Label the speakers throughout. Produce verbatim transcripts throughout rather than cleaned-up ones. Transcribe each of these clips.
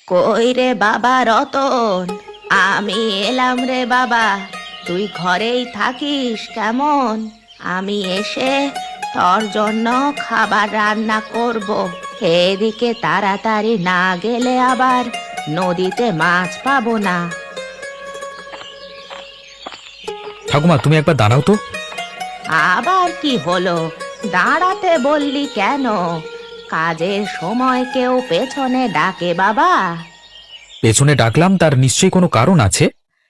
Speaker 1: কই রে বাবা রতন, আমি এলাম রে বাবা। তুই ঘরেই থাকিস কেমন? আমি এসে তোর জন্য খাবার রান্না করব। এদিকে তাড়াতাড়ি না গেলে আবার নদীতে মাছ পাবো না।
Speaker 2: ঠাকুমা, তুমি একবার দাঁড়াও তো।
Speaker 1: আবার কি হলো? দাঁড়াতে বললি কেন? কাজের সময় কেউ পেছনে ডাকে বাবা?
Speaker 2: পেছনে ডাকলাম, তার নিশ্চয়ই কোনো কারণ আছে।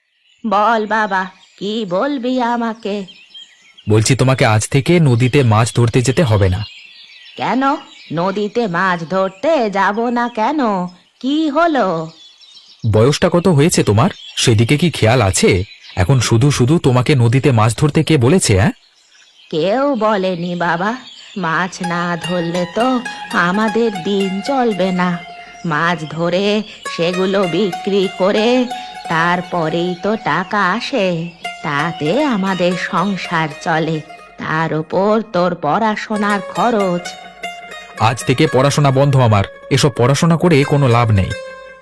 Speaker 1: বল বাবা, কি বলবি আমাকে?
Speaker 2: বলছি, তোমাকে আজ থেকে নদীতে মাছ ধরতে যেতে হবে না।
Speaker 1: কেন নদীতে মাছ ধরতে যাব না কেন? কি হলো?
Speaker 2: বয়সটা কত হয়েছে তোমার, সেদিকে কি খেয়াল আছে? এখন শুধু শুধু তোমাকে নদীতে মাছ ধরতে কে বলেছে? হ্যাঁ,
Speaker 1: কেউ বলেনি বাবা। মাছ না ধরলে তো আমাদের দিন চলবে না। মাছ ধরে সেগুলো বিক্রি করে তারপরেই তো টাকা আসে, তাতে আমাদের সংসার চলে। তার উপর তোর পড়াশোনার খরচ।
Speaker 2: আজ থেকে পড়াশোনা বন্ধ আমার। এসব পড়াশোনা করে কোনো লাভ নেই।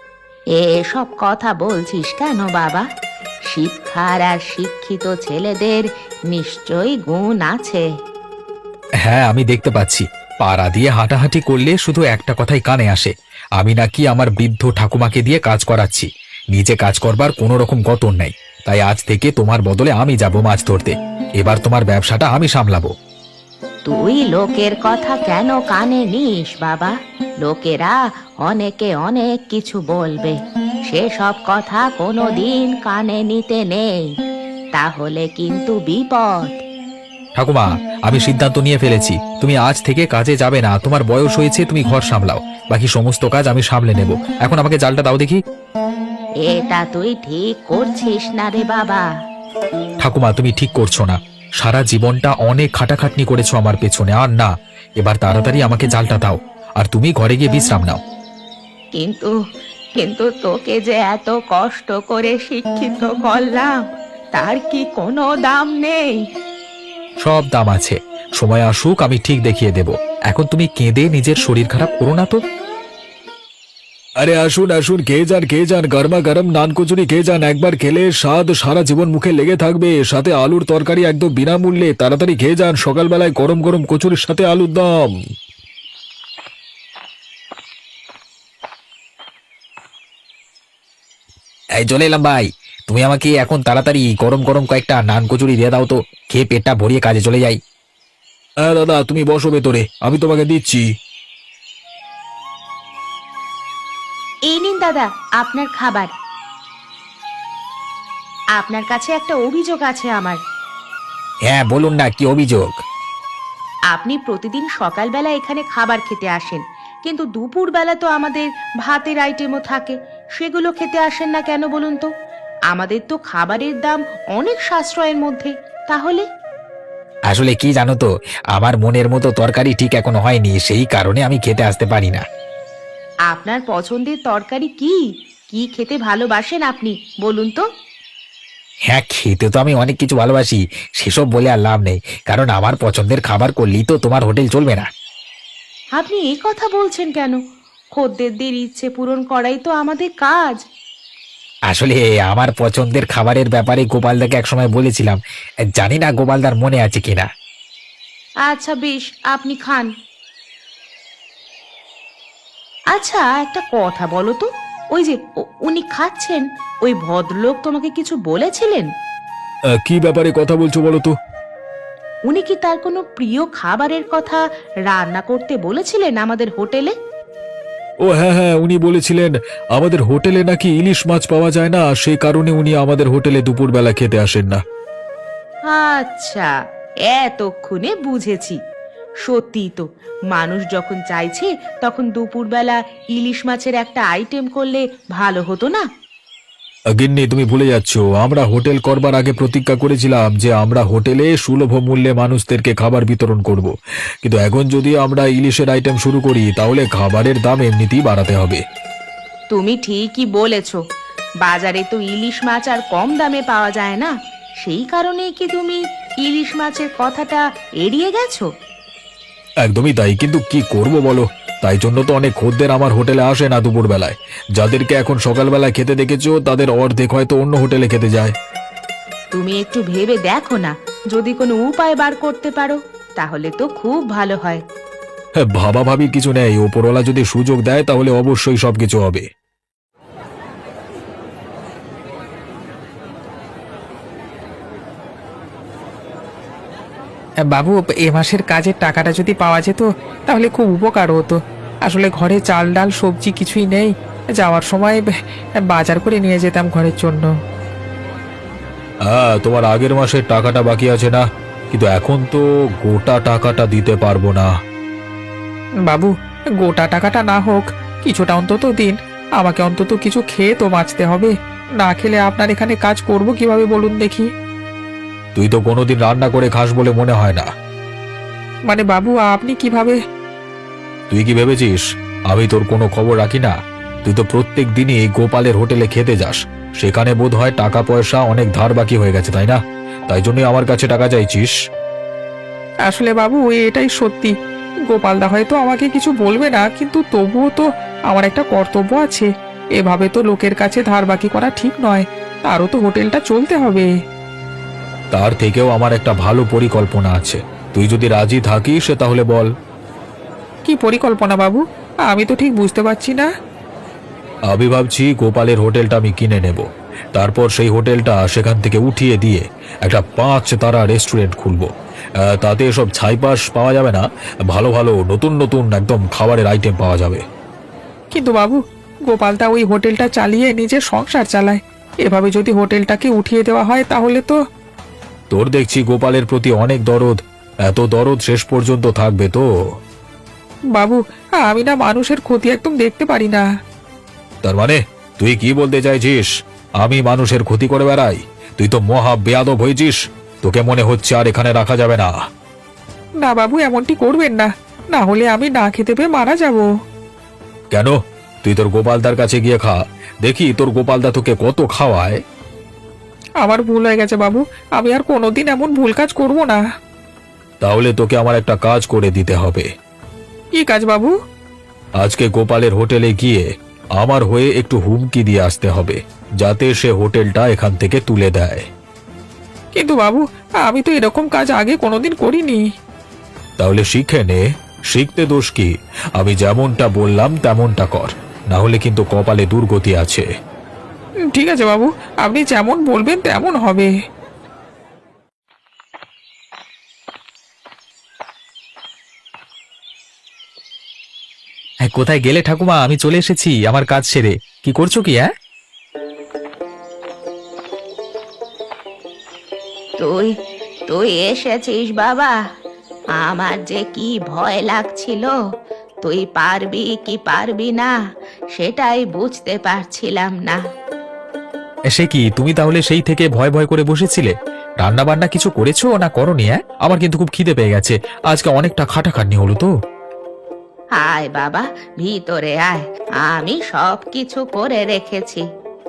Speaker 1: এসব কথা বলছিস কেন বাবা? শিক্ষার আর শিক্ষিত ছেলেদের নিশ্চয়ই গুণ আছে।
Speaker 2: হ্যাঁ, আমি দেখতে পাচ্ছি। পাড়া দিয়ে হাঁটাহাঁটি করলে শুধু একটা কথাই কানে আসে, আমি নাকি আমার বৃদ্ধ ঠাকুমাকে দিয়ে কাজ করাচ্ছি। নিজে কাজ করবার কোনো রকম গতর নেই। তাই আজ থেকে তোমার বদলে আমি যাব মাছ ধরতে। এবার তোমার ব্যবসাটা আমি সামলাবো।
Speaker 1: তুই লোকের কথা কেন কানে নিস বাবা? লোকেরা অনেকে অনেক কিছু বলবে, সেসব কথা কোনো দিন কানে নিতে নেই, তাহলে কিন্তু বিপদ।
Speaker 2: ঠাকুমা, আমি সিদ্ধান্ত নিয়ে ফেলেছি, তুমি আজ থেকে কাজে যাবে না। তোমার বয়স হয়েছে, তুমি ঘর সামলাও। বাকি সমস্ত কাজ আমি সামলে নেব। এখন আমাকে জালটা দাও দেখি।
Speaker 1: এটা তুই ঠিক করছিস না রে বাবা।
Speaker 2: ঠাকুমা, তুমি ঠিক করছো না। সারা জীবনটা অনেক খাটাখাটনি করেছো আমার পেছনে, আর না। এবার তাড়াতাড়ি আমাকে জালটা দাও, আর তুমি ঘরে গিয়ে বিশ্রাম নাও।
Speaker 1: কিন্তু কিন্তু তোকে যে এত কষ্ট করে শিক্ষিত করলাম, তার কি কোনো দাম নেই?
Speaker 2: সব দাম আছে। সময় আসুক, আমি ঠিক দেখিয়ে দেব। এখন তুমি কেঁদে নিজের শরীর খারাপ করো না তো। আরে আসুন আসুন, খেয়ে যান খেয়ে যান, গরমা গরম নান কচুরি খেয়ে যান। একবার খেলে স্বাদ সারা জীবন মুখে লেগে থাকবে। সাথে আলুর তরকারি একদম বিনামূল্যে। তাড়াতাড়ি খেয়ে যান, সকালবেলায় গরম গরম কচুরির সাথে আলুর দম। এই চলে এলাম ভাই। তুমি আমাকে এখন তাড়াতাড়ি গরম গরম কয়েকটা নান কচুরি দিয়ে দাও তো, খেয়ে পেটটা ভরিয়ে কাজে চলে যাই। হ্যাঁ দাদা, তুমি বসো ভেতরে, আমি তোমাকে দিচ্ছি।
Speaker 1: এই নিন দাদা আপনার খাবার। আপনার কাছে একটা অভিযোগ আছে আমার।
Speaker 2: হ্যাঁ বলুন না, কি অভিযোগ?
Speaker 1: আপনি প্রতিদিন সকালবেলা এখানে খাবার খেতে আসেন, কিন্তু দুপুরবেলা তো আমাদের ভাতের আইটেমও থাকে, সেগুলো খেতে আসেন না কেন বলুন তো? আমাদের তো খাবারের দাম অনেক সাশ্রয়ের মধ্যে। তাহলে
Speaker 2: আসলে কি জানো তো, আমার মনের মতো তরকারি ঠিক এখনো হয়নি, সেই কারণে আমি খেতে আসতে পারি না।
Speaker 1: আপনার পছন্দের তরকারি কি? কি খেতে ভালোবাসেন আপনি বলুন তো?
Speaker 2: হ্যাঁ, খেতে তো আমি অনেক কিছু ভালোবাসি, সেসব বলে আর লাভ নেই। কারণ আমার পছন্দের খাবার করলেই তো তোমার হোটেল চলবে না।
Speaker 1: আপনি এই কথা বলছেন কেন? খদ্দেরদের ইচ্ছে পূরণ করাই তো আমাদের কাজ।
Speaker 2: আসলে আমার পছন্দের খাবারের ব্যাপারে গোপালদাকে একসময় বলেছিলাম, জানি না গোপালদার মনে আছে কিনা।
Speaker 1: আচ্ছা বেশ, আপনি খান। আচ্ছা একটা কথা বলো তো, ওই যে উ- উনি খাচ্ছেন, ওই ভদ্রলোক তোমাকে কিছু বলেছিলেন?
Speaker 2: কি ব্যাপারে কথা বলছো বলো তো?
Speaker 1: উনি কি তার কোনো প্রিয় খাবারের কথা রান্না করতে বলেছিলেন আমাদের হোটেলে?
Speaker 2: ও হ্যাঁ হ্যাঁ, উনি বলেছিলেন আমাদের হোটেলে নাকি ইলিশ মাছ পাওয়া যায় না, সেই কারণে উনি আমাদের হোটেলে দুপুরবেলা খেতে আসেন না।
Speaker 1: আচ্ছা, এতক্ষণে বুঝেছি। সত্যি তো, মানুষ যখন চাইছে তখন দুপুরবেলা ইলিশ মাছের একটা আইটেম করলে ভালো হতো না?
Speaker 2: গিন্নি, তুমি ভুলে যাচ্ছ, আমরা হোটেল করবার আগে প্রতিজ্ঞা করেছিলাম যে আমরা হোটেলে সুলভ মূল্যে মানুষদেরকে খাবার বিতরণ করব। কিন্তু এখন যদি আমরা ইলিশের আইটেম শুরু করি, তাহলে খাবারের দাম এমনিতেই বাড়াতে হবে।
Speaker 1: তুমি ঠিকই বলেছ। বাজারে তো ইলিশ মাছ আর কম দামে পাওয়া যায় না, সেই কারণেই কি তুমি ইলিশ মাছের কথাটা এড়িয়ে গেছো?
Speaker 2: একদমই তাই, কিন্তু কি করব বলো, তাই জন্য তো অনেক খদ্দের আমার হোটেলে আসে না দুপুর বেলায়। যাদেরকে এখন সকালবেলায় খেতে দেখেছো তাদের অর্ধেক হয়তো অন্য হোটেলে খেতে যায়।
Speaker 1: তুমি একটু ভেবে দেখো না, যদি কোনো উপায় বার করতে পারো তাহলে তো খুব ভালো হয়।
Speaker 2: হ্যাঁ, ভাবা ভাবির কিছু নেই, ওপরওয়ালা যদি সুযোগ দেয় তাহলে অবশ্যই সবকিছু হবে।
Speaker 3: বাবু, এ মাসের কাজের টাকাটা যদি পাওয়া যেত তাহলে খুব উপকার হতো। আসলে ঘরে চাল ডাল সবজি কিছুই নেই, যাওয়ার সময় ব- বাজার করে নিয়ে যেতাম ঘরের জন্য।
Speaker 2: হ্যাঁ, তোমার আগের মাসের টাকাটা বাকি আছে না, কিন্তু এখন তো গোটা টাকাটা দিতে পারবো না।
Speaker 3: বাবু, গোটা টাকাটা না হোক, কিছুটা অন্তত দিন। আমাকে অন্তত কিছু খেয়ে তো বাঁচতে হবে। না খেলে আপনার এখানে কাজ করব কিভাবে বলুন দেখি?
Speaker 2: তুই তো কোনোদিন রান্না করে খাস বলে মনে হয় না।
Speaker 3: মানে বাবু, আপনি কিভাবে?
Speaker 2: তুই কি ভেবেছিস আমি তোর কোনো খবর রাখি না? তুই তো প্রত্যেক দিনই গোপালের হোটেলে খেতে যাস, সেখানে বোধ হয় টাকা পয়সা অনেক ধার বাকি হয়ে গেছে, তাই না? তাই জন্যই আমার কাছে টাকা চাইছিস।
Speaker 3: আসলে বাবু, এটাই সত্যি। গোপালদা হয়তো আমাকে কিছু বলবে না, কিন্তু তবুও তো আমার একটা কর্তব্য আছে। এভাবে তো লোকের কাছে ধার বাকি করা ঠিক নয়। তারও তো হোটেলটা চলতে হবে।
Speaker 2: তার থেকেও আমার একটা ভালো পরিকল্পনা আছে, তুই যদি রাজি থাকিস তাহলে বল।
Speaker 3: কি পরিকল্পনা বাবু? আমি তো ঠিক বুঝতে পারছি না।
Speaker 2: আমি ভাবছি গোপালের হোটেলটা আমি কিনে নেব, তারপর সেই হোটেলটা সেখান থেকে উঠিয়ে দিয়ে একটা পাঁচ তারা রেস্টুরেন্ট খুলবো। আহ, তাতে সব ছাইপাশ পাওয়া যাবে না, ভালো ভালো নতুন নতুন একদম খাবারের আইটেম পাওয়া যাবে।
Speaker 3: কিন্তু বাবু, গোপালদা ওই হোটেলটা চালিয়ে নিজের সংসার চালায়। এভাবে যদি হোটেলটাকে উঠিয়ে দেওয়া হয় তাহলে তো।
Speaker 2: তোর দেখছি গোপালের প্রতি অনেক দরদ, এত দরদ শেষ পর্যন্ত থাকবে তো?
Speaker 3: বাবু, আমি না মানুষের ক্ষতি একদম দেখতে পারি না।
Speaker 2: তার মানে তুই কি বলতে চাইছিস আমি মানুষের ক্ষতি করে বেড়াই? তুই তো মহা বেয়াদব হয়েছিস, তোকে মনে হচ্ছে আর এখানে রাখা যাবে না।
Speaker 3: না বাবু, এমনটি করবেন না, না হলে আমি না খেতে পেয়ে মারা যাব।
Speaker 2: কেন? তুই তোর গোপালদার কাছে গিয়ে খা, দেখি তোর গোপালদা তোকে কত খাওয়ায়।
Speaker 3: আমার ভুল হয়ে গেছে বাবু, আমি আর কোনোদিন এমন ভুল কাজ করব না।
Speaker 2: তাহলে তোকে আমার একটা কাজ করে দিতে হবে।
Speaker 3: কি কাজ বাবু?
Speaker 2: আজকে গোপালের হোটেলে গিয়ে আমার হয়ে একটু হুমকি দিয়ে আসতে হবে, যাতে সে হোটেলটা এখান থেকে তুলে দেয়।
Speaker 3: কিন্তু বাবু, আমি তো এরকম কাজ আগে কোনোদিন করিনি।
Speaker 2: তাহলে শিখে নে, শিখতে দোষ কি? আমি যেমনটা বললাম তেমনটা কর, না হলে কিন্তু কপালে দুর্গতি আছে।
Speaker 3: উম, ঠিক আছে বাবু, আপনি যেমন বলবেন তেমন হবে।
Speaker 2: হ্যাঁ, কোথায় গেলে ঠাকুমা? আমি চলে এসেছি আমার কাজ সেরে। কি করছো কি? হ্যাঁ,
Speaker 1: তুই তুই এসেছিস বাবা, আমার যে কি ভয় লাগছিল, তুই পারবি কি পারবি না সেটাই বুঝতে পারছিলাম না।
Speaker 2: সে কি, তুমি তাহলে সেই থেকে ভয় ভয় করে বসেছিলে? রান্না বান্না কিছু করেছো না করনি? হ্যাঁ, আমার কিন্তু খুব খিদে পেয়ে গেছে, আজকে অনেকটা খাটাখাটনি হলো তো।
Speaker 1: আয় বাবা, ভিতরে আয়, আমি সব কিছু করে রেখেছি।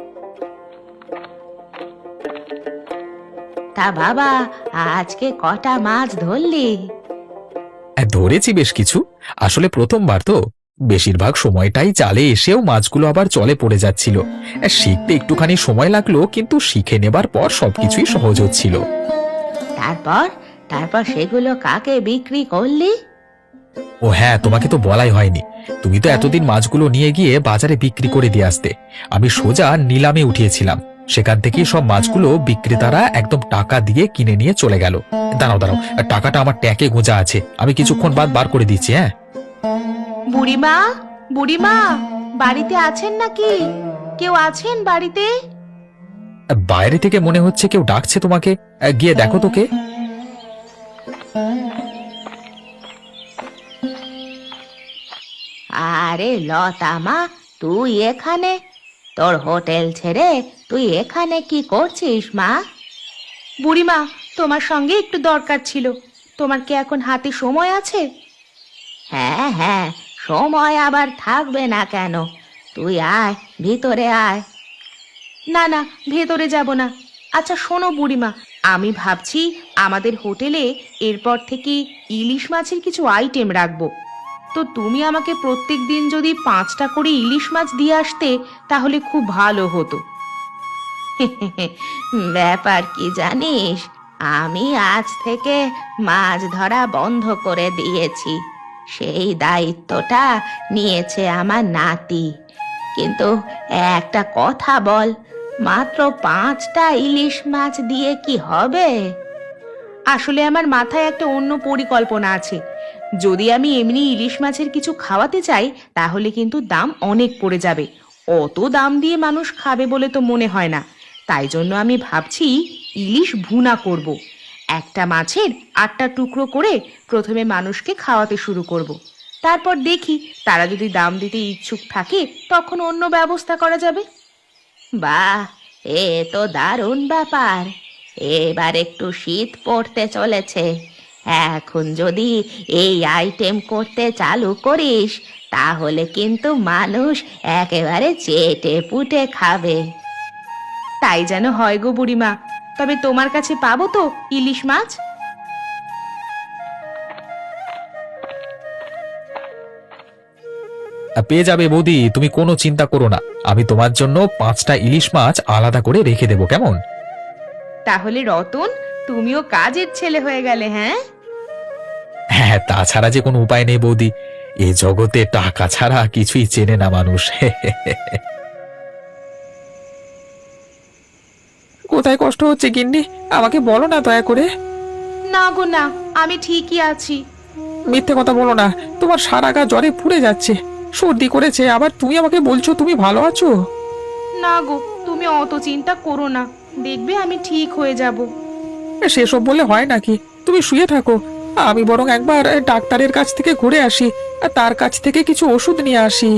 Speaker 1: তা বাবা, আজকে কটা মাছ ধরলি?
Speaker 2: হ্যাঁ, ধরেছি বেশ কিছু। আসলে প্রথমবার তো, বেশিরভাগ সময়টাই জালে এসেও মাছগুলো আবার জলে পড়ে যাচ্ছিল। হ্যাঁ, শিখতে একটুখানি সময় লাগলো, কিন্তু শিখে নেবার পর সবকিছুই সহজ হচ্ছিল।
Speaker 1: তারপর তারপর সেগুলো কাকে বিক্রি করলি?
Speaker 2: ও হ্যাঁ, তোমাকে তো বলাই হয়নি। তুমি তো এতদিন মাছগুলো নিয়ে গিয়ে বাজারে বিক্রি করে দিয়ে আসতে, আমি সোজা নিলামে উঠিয়েছিলাম। সেখান থেকেই সব মাছগুলো বিক্রেতারা একদম টাকা দিয়ে কিনে নিয়ে চলে গেল। দাঁড়াও দাঁড়াও, টাকাটা আমার ট্যাকে গোঁজা আছে, আমি কিছুক্ষণ বাদ বার করে দিচ্ছি। হ্যাঁ,
Speaker 1: বুড়িমা, বুড়িমা, বাড়িতে আছেন নাকি? কেউ আছেন বাড়িতে?
Speaker 2: বাইরে থেকে মনে হচ্ছে কেউ ডাকছে তোমাকে, গিয়ে দেখো তোকে।
Speaker 1: আরে লতা মা, তুই এখানে? তোর হোটেল ছেড়ে তুই এখানে কি করছিস মা? বুড়িমা, তোমার সঙ্গে একটু দরকার ছিল। তোমার কি এখন হাতে সময় আছে? হ্যাঁ হ্যাঁ, সময় আবার থাকবে না কেন? তুই আয়, ভিতরে আয়। না না, ভেতরে যাব না। আচ্ছা শোনো বুড়িমা, আমি ভাবছি আমাদের হোটেলে এরপর থেকে ইলিশ মাছের কিছু আইটেম রাখবো। তো তুমি আমাকে প্রত্যেক দিন যদি পাঁচটা করে ইলিশ মাছ দিয়ে আসতে তাহলে খুব ভালো হতো। ব্যাপার কি জানিস, আমি আজ থেকে মাছ ধরা বন্ধ করে দিয়েছি। সেই দায়িত্বটা নিয়েছে আমার নাতি। কিন্তু একটা কথা বল, মাত্র পাঁচটা ইলিশ মাছ দিয়ে কি হবে? আসলে আমার মাথায় একটা অন্য পরিকল্পনা আছে। যদি আমি এমনি ইলিশ মাছের কিছু খাওয়াতে চাই তাহলে কিন্তু দাম অনেক পড়ে যাবে। অত দাম দিয়ে মানুষ খাবে বলে তো মনে হয় না। তাই জন্য আমি ভাবছি ইলিশ ভুনা করব। একটা মাছের আটটা টুকরো করে প্রথমে মানুষকে খাওয়াতে শুরু করব। তারপর দেখি তারা যদি দাম দিতে ইচ্ছুক থাকে তখন অন্য ব্যবস্থা করা যাবে। বাহ, এ তো দারুণ ব্যাপার। এবার একটু শীত পড়তে চলেছে, এখন যদি এই আইটেম করতে চালু করিস তাহলে কিন্তু মানুষ একেবারে চেটে পুটে খাবে। তাই যেন হয় গো বুড়িমা। তবে তোমার কাছে পাবো তো ইলিশ মাছ?
Speaker 2: পেয়ে যাবে বৌদি, তুমি কোনো চিন্তা করো না। আমি তোমার জন্য পাঁচটা ইলিশ মাছ আলাদা করে রেখে দেবো, কেমন?
Speaker 1: তাহলে রতন, তুমিও কাজের ছেলে হয়ে গেলে। হ্যাঁ
Speaker 2: হ্যাঁ, তাছাড়া যে কোনো উপায় নেই বৌদি। এ জগতে টাকা ছাড়া কিছুই চেনে না মানুষ।
Speaker 3: কোথায় কষ্ট হচ্ছে গিন্নি, আমাকে বলো না দয়া করে।
Speaker 1: না গো না, আমি ঠিকই আছি।
Speaker 3: মিথ্যে কথা বলো না, তোমার সারা গা জ্বরে পুড়ে যাচ্ছে, সর্দি করেছে, আবার তুমি আমাকে বলছো তুমি ভালো আছো।
Speaker 1: না গো, তুমি অত চিন্তা করো না, দেখবে আমি ঠিক হয়ে যাব।
Speaker 3: সেসব বলে হয় নাকি? তুমি শুয়ে থাকো, আমি বরং একবার ডাক্তারের কাছ থেকে ঘুরে আসি, আর তার কাছ থেকে কিছু ওষুধ নিয়ে আসি।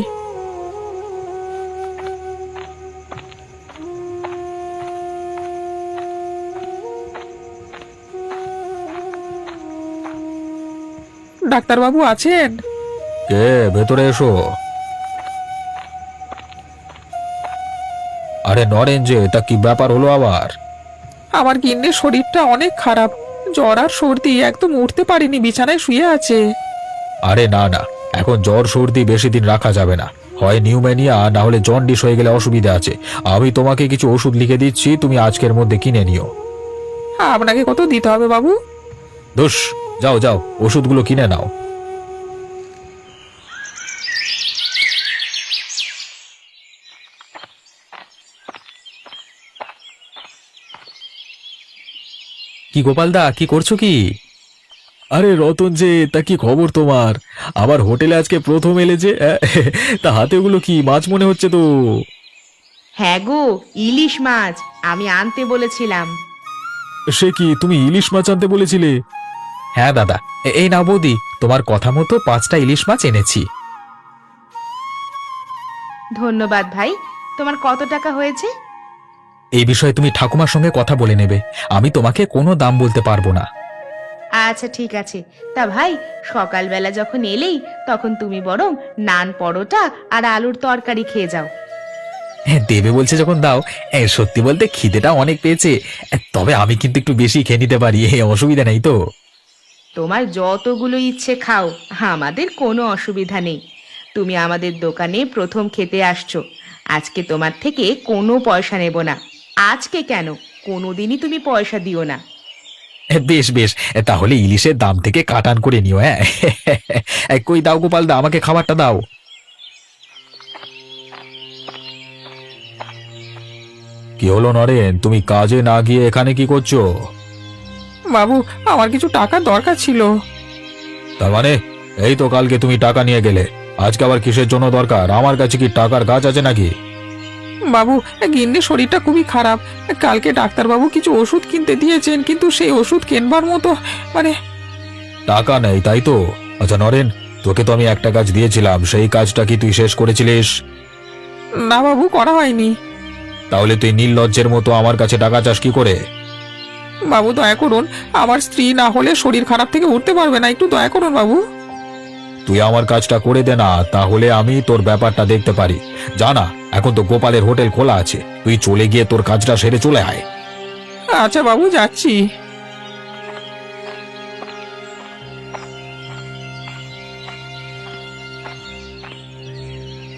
Speaker 3: ডাক্তারবাবু আছেন?
Speaker 2: কে? ভেতরে এসো। আরে নরেন যে, তা কি ব্যাপার হলো আবার?
Speaker 3: আমার গিন্নির শরীরটা অনেক খারাপ, জ্বর আর সর্দি, একদম উঠতে পারিনি, বিছানায় শুয়ে আছে।
Speaker 2: আরে না না, এখন জ্বর সর্দি বেশি দিন রাখা যাবে না। হয় নিউমোনিয়া, না হলে জন্ডিস হয়ে গেলে অসুবিধা আছে। আমি তোমাকে কিছু ওষুধ লিখে দিচ্ছি, তুমি আজকের মধ্যে কিনে নিও।
Speaker 3: আপনাকে কত দিতে হবে বাবু?
Speaker 2: দোষ, যাও যাও, ওষুধগুলো কিনে নাও। কি গোপালদা, কি করছো কি? আরে রতন যে, তা কি খবর তোমার? আবার হোটেলে আজকে প্রথম এলে যে, আহ, তা হাতে ওগুলো কি মাছ মনে হচ্ছে তো?
Speaker 1: হ্যাঁ গো, ইলিশ মাছ আমি আনতে বলেছিলাম।
Speaker 2: সে কি, তুমি ইলিশ মাছ আনতে বলেছিলে? হ্যাঁ দাদা, এ- এই নাও বৌদি, তোমার কথা মতো পাঁচটা ইলিশ মাছ এনেছি।
Speaker 1: ধন্যবাদ ভাই। তোমার কত টাকা হয়েছে?
Speaker 2: এই বিষয়ে তুমি ঠাকুমার সঙ্গে কথা বলে নেবে, আমি তোমাকে কোনো দাম বলতে পারবো না।
Speaker 1: আচ্ছা ঠিক আছে। তা ভাই, সকালবেলা যখন এলেই তখন তুমি বরং নান পরোটা আর আলুর তরকারি খেয়ে যাও।
Speaker 2: হ্যাঁ, দেবে বলছে যখন দাও। এ, সত্যি বলতে খিদেটা অনেক পেয়েছে। এ, তবে আমি কিন্তু একটু বেশি খেয়ে নিতে পারি, এ, অসুবিধা নেই তো?
Speaker 1: তোমার যতগুলো ইচ্ছে খাও, আমাদের কোনো অসুবিধা নেই। তুমি আমাদের দোকানে প্রথম খেতে আসছো, আজকে তোমার থেকে কোনো পয়সা নেব না। আজকে কেন, কোনোদিনই তুমি পয়সা দিও না।
Speaker 2: এ, বেশ বেশ, এ, তাহলে ইলিশের দাম থেকে কাটান করে নিও। হ্যাঁ, এ, কই দাও গোপাল দা, আমাকে খাবারটা দাও। কি হলো নরেন, তুমি কাজে না গিয়ে এখানে কি করছো?
Speaker 3: বাবু, আমার কিছু টাকার দরকার ছিল।
Speaker 2: তার মানে, এই তো কালকে তুমি টাকা নিয়ে গেলে, আজকে আবার কিসের জন্য দরকার? আমার কাছে কি টাকার গাছ আছে নাকি?
Speaker 3: বাবু, গিন্নির শরীরটা খুবই খারাপ, কালকে ডাক্তারবাবু কিছু ওষুধ কিনতে দিয়েছেন, কিন্তু সেই ওষুধ কেনবার মতো মানে।
Speaker 2: টাকা নেই তাই তো? আচ্ছা নরেন, তোকে তো আমি একটা কাজ দিয়েছিলাম, সেই কাজটা কি তুই শেষ করেছিলিস?
Speaker 3: না বাবু, করা হয়নি।
Speaker 2: তাহলে তুই নির্লজ্জের মতো আমার কাছে টাকা চাস কি করে?
Speaker 3: বাবু দয়া করুন, আমার স্ত্রী না হলে শরীর খারাপ থেকে উঠতে পারবে না, একটু দয়া করুন বাবু।
Speaker 2: তুই আমার কাজটা করে দে না, তাহলে আমি তোর ব্যাপারটা দেখতে পারি। জানা, এখন তো গোপালের হোটেল খোলা আছে, তুই চলে গিয়ে তোর কাজটা সেরে চলে আয়।
Speaker 3: আচ্ছা বাবু, যাচ্ছি।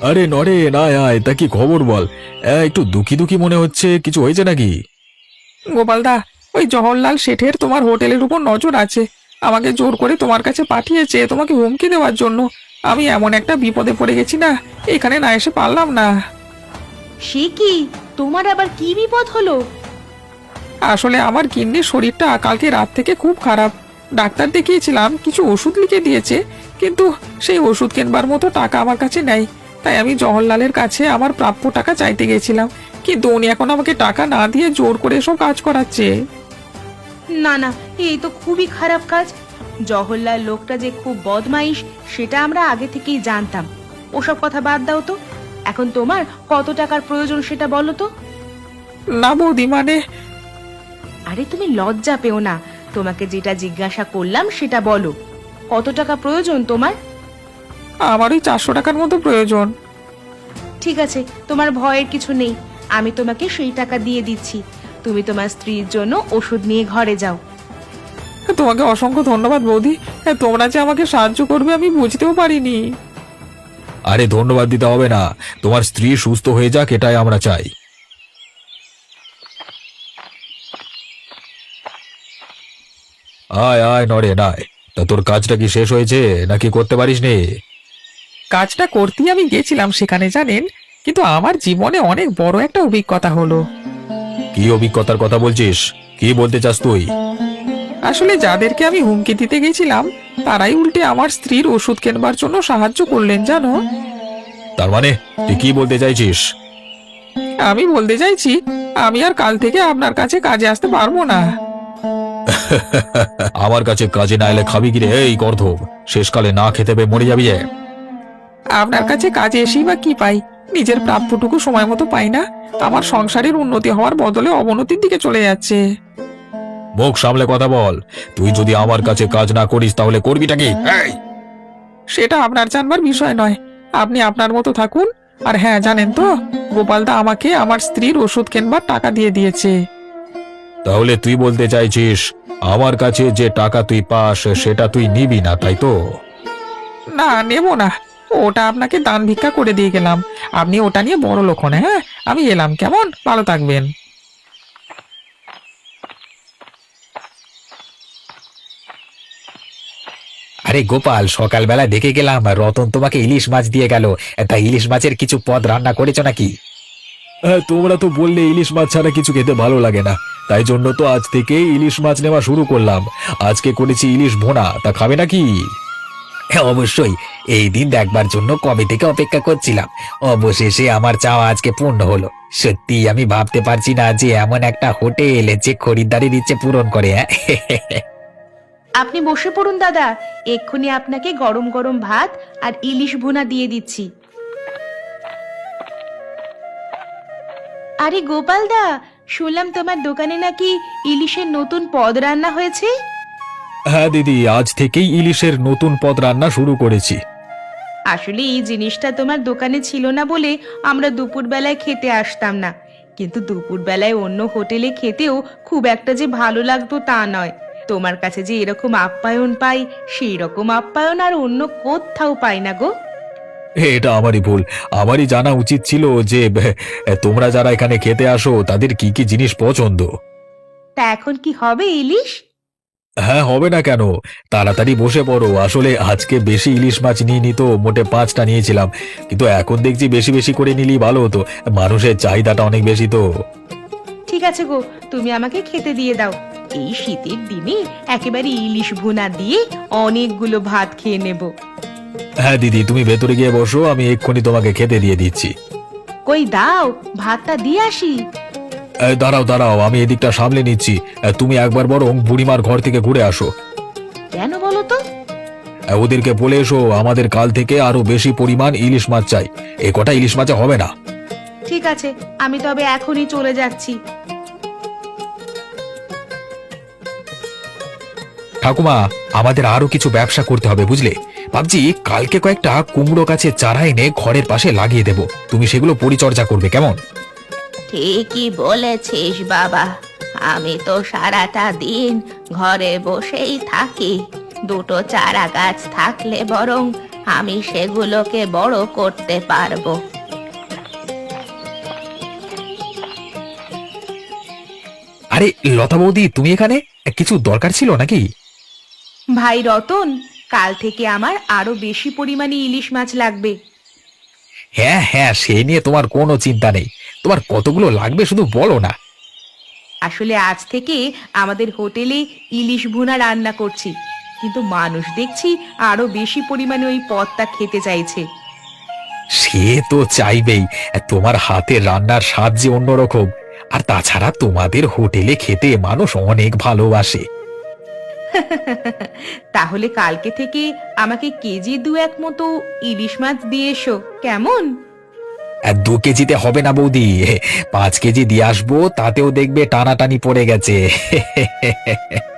Speaker 2: আরে নরে না আয়, তা কি খবর বল? এ, একটু দুঃখী দুঃখী মনে হচ্ছে, কিছু হয়েছে নাকি?
Speaker 3: গোপালদা, ওই জওহরলাল শেঠের তোমার হোটেলের উপর নজর আছে। আমাকে জোর করে তোমার কাছে পাঠিয়েছে তোমাকে হুমকি দেওয়ার জন্য। আমি এমন একটা বিপদে পড়ে গেছি না, এখানে না এসে পারলাম না।
Speaker 1: সে কি, তোমার আবার কি বিপদ হলো?
Speaker 3: আসলে আমার কিডনির শরীরটা কালকে রাত থেকে খুব খারাপ। ডাক্তার দেখিয়েছিলাম, কিছু ওষুধ লিখে দিয়েছে, কিন্তু সেই ওষুধ কেনবার মতো টাকা আমার কাছে নেই। তাই আমি জওহরলালের কাছে আমার প্রাপ্য টাকা চাইতে গেছিলাম, কিন্তু উনি এখন আমাকে টাকা না দিয়ে জোর করে সব কাজ করাচ্ছে।
Speaker 1: না না, এই তো খুবই খারাপ কাজ। জওহরলাল লোকটা যে খুব বদমাইশ সেটা আমরা আগে থেকেই জানতাম। ওসব কথা বাদ দাও তো, এখন তোমার কত টাকার প্রয়োজন সেটা বলো তো।
Speaker 3: না বৌদি, মানে
Speaker 1: আরে তুমি লজ্জা পেও না, তোমাকে যেটা জিজ্ঞাসা করলাম সেটা বলো। কত টাকা প্রয়োজন তোমার?
Speaker 3: আমার ওই চারশো টাকার মতো প্রয়োজন।
Speaker 1: ঠিক আছে, তোমার ভয়ের কিছু নেই, আমি তোমাকে সেই টাকা দিয়ে দিচ্ছি। তুমি তোমার স্ত্রীর জন্য ওষুধ নিয়ে ঘরে যাও।
Speaker 3: তোমাকে অসংখ্য ধন্যবাদ বৌদি। হ্যাঁ, তোমরা যে আমাকে সাহায্য করবে আমি বুঝতেও পারিনি।
Speaker 2: আরে ধন্যবাদ দিতে হবে না, তোমার স্ত্রী সুস্থ হয়ে যাক এটাই আমরা চাই। আয় আয় নরে নায়, তা তোর কাজটা কি শেষ হয়েছে নাকি করতে পারিস নে?
Speaker 3: কাজটা করতেই আমি গেছিলাম সেখানে, জানেন, কিন্তু আমার জীবনে অনেক বড় একটা অভিজ্ঞতা হলো।
Speaker 2: কি অভিজ্ঞতার কথা বলছিস? কি বলতে চাস তুই?
Speaker 3: আসলে যাদেরকে আমি হুমকি দিতে গেছিলাম তারাই উল্টে আমার স্ত্রীর ওষুধ কেনবার জন্য সাহায্য করলেন, জানো।
Speaker 2: তার মানে তুই কি বলতে চাইছিস?
Speaker 3: আমি বলতে চাইছি, আমি আর কাল থেকে আপনার কাছে কাজে আসতে পারবো না।
Speaker 2: আমার কাছে কাজে না এলে খাবি কিরে এই গর্ধব? শেষকালে না খেতে পেয়ে মরে যাবি যে।
Speaker 3: আপনার কাছে কাজে এসেই বা কি পাই? নিজের প্রাপ্যটুকু সময় মতো পাই না। আমার সংসারের উন্নতি হওয়ার বদলে অবনতির দিকে চলে যাচ্ছে।
Speaker 2: মুখ সামলে কথা বল। তুই যদি আমার কাছে কাজ না করিস তাহলে করবিটা কি? এই!
Speaker 3: সেটা আপনার জানবার বিষয় নয়, আপনি আপনার মতো থাকুন। আর হ্যাঁ, জানেন তো, গোপালদা আমাকে আমার স্ত্রীর ওষুধ কেনবার টাকা দিয়ে দিয়েছে।
Speaker 2: তাহলে তুই বলতে চাইছিস আমার কাছে যে টাকা তুই পাস সেটা তুই নিবি না, তাই তো?
Speaker 3: না, নেব না, ওটা আপনাকে দান ভিক্ষা করে দিয়ে গেলাম। আপনি ওটা নিয়ে বড় লোক হন। হ্যাঁ, আমি এলাম, কেমন? ভালো থাকবেন।
Speaker 2: আরে গোপাল, সকালবেলা দেখে গেলাম রতন তোমাকে ইলিশ মাছ দিয়ে গেল। তা ইলিশ মাছের কিছু পদ রান্না করেছো নাকি? তোমরা তো বললে ইলিশ মাছ ছাড়া কিছু খেতে ভালো লাগে না, তাই জন্য তো আজ থেকে ইলিশ মাছ নেওয়া শুরু করলাম। আজকে করেছি ইলিশ ভোনা, তা খাবে নাকি?
Speaker 4: হ্যাঁ, অবশ্যই। এই দিন দেখবার জন্য কবে থেকে অপেক্ষা করছিলাম। অবশেষে আমার চাওয়া আজকে পূর্ণ হলো। সত্যি আমি ভাবতে পারছি না যে এমন একটা হোটেল যে খরিদ্দারের ইচ্ছে পূরণ করে। হ্যাঁ,
Speaker 1: আপনি বসে পড়ুন দাদা, এক্ষুনি আপনাকে গরম গরম ভাত আর ইলিশ ভুনা দিয়ে দিচ্ছি। আরে গোপাল দা, শুনলাম তোমার দোকানে নাকি ইলিশের নতুন পদ রান্না হয়েছে।
Speaker 2: হ্যাঁ দিদি, আজ থেকেই ইলিশের নতুন পদ রান্না শুরু করেছি।
Speaker 1: আসলে এই জিনিসটা তোমার দোকানে ছিল না বলে আমরা দুপুর বেলায় খেতে আসতাম না, কিন্তু দুপুর বেলায় অন্য হোটেলে খেতেও খুব একটা যে ভালো লাগতো তা নয়। তোমার কাছে যে এরকম আপ্যায়ন পাই, সেই রকম আপ্যায়ন আর অন্য কোথাও পাই না গো।
Speaker 2: এটা আমারই ভুল, আমারই জানা উচিত ছিল যে বে- তোমরা যারা এখানে খেতে আসো তাদের কি কি জিনিস পছন্দ।
Speaker 1: তা এখন কি হবে ইলিশ?
Speaker 2: হ্যাঁ, হবে না কেন? তাড়াতাড়ি বসে পড়ো। আসলে আজকে বেশি ইলিশ মাছ নিয়ে নিত, মোটে পাঁচটা নিয়েছিলাম, কিন্তু এখন দেখছি বেশি বেশি করে নিলেই ভালো হতো। মানুষের চাহিদাটা অনেক বেশি তো।
Speaker 1: ঠিক আছে গো, তুমি আমাকে খেতে দিয়ে দাও। এই শীতের দিনে একেবারে ইলিশ ভুনা দিয়ে অনেকগুলো ভাত খেয়ে নেব।
Speaker 2: হ্যাঁ দিদি, তুমি ভেতরে গিয়ে বসো, আমি এক্ষুনি তোমাকে খেতে দিয়ে দিচ্ছি।
Speaker 1: কই দাও, ভাতটা দিয়ে আসি।
Speaker 2: এই, দাঁড়াও দাঁড়াও, আমি এদিকটা সামলে নিচ্ছি। তুমি একবার বরং বুড়িমার ঘর থেকে ঘুরে আসো।
Speaker 1: কেন বলো তো?
Speaker 2: ওদেরকে বলে এসো আমাদের কাল থেকে আরো বেশি পরিমাণ ইলিশ মাছ চাই। এ কটা ইলিশ মাছে হবে না।
Speaker 1: ঠিক আছে, আমি তবে এখনই চলে যাচ্ছি।
Speaker 2: ঠাকুমা, আমাদের আরো কিছু ব্যবসা করতে হবে বুঝলে। ভাবছি কালকে কয়েকটা কুমড়ো গাছের চারা এনে ঘরের পাশে লাগিয়ে দেব, তুমি সেগুলো পরিচর্যা করবে, কেমন?
Speaker 1: ঠিকই বলেছিস বাবা, আমি তো সারাটা দিন ঘরে বসেই থাকি। দুটো চারা গাছ থাকলে বরং আমি সেগুলোকে বড় করতে পারবো।
Speaker 2: আরে লতা বৌদি, তুমি এখানে কিছু দরকার ছিল নাকি?
Speaker 1: ভাই রতন, কাল থেকে আমার আরো বেশি পরিমাণে ইলিশ মাছ লাগবে।
Speaker 2: হ্যাঁ হ্যাঁ, সে নিয়ে তোমার কোনো চিন্তা নেই। তোমার কতগুলো লাগবে শুধু বলো না।
Speaker 1: আসলে আজ থেকে আমাদের হোটেলে ইলিশ ভুনা রান্না করছি, কিন্তু মানুষ দেখছি আরো বেশি পরিমাণে ওই পদটা খেতে চাইছে।
Speaker 2: সে তো চাইবেই, তোমার হাতের রান্নার স্বাদ যে অন্যরকম। আর তাছাড়া তোমাদের হোটেলে খেতে মানুষ অনেক ভালোবাসে।
Speaker 1: তাহলে কালকে থেকে আমাকে কেজি দু এক মতো ইলিশ মাছ দিয়ে এসো, কেমন?
Speaker 2: আর দু কেজিতে হবে না বৌদি, পাঁচ কেজি দিয়ে আসবো, তাতেও দেখবে টানাটানি পড়ে গেছে।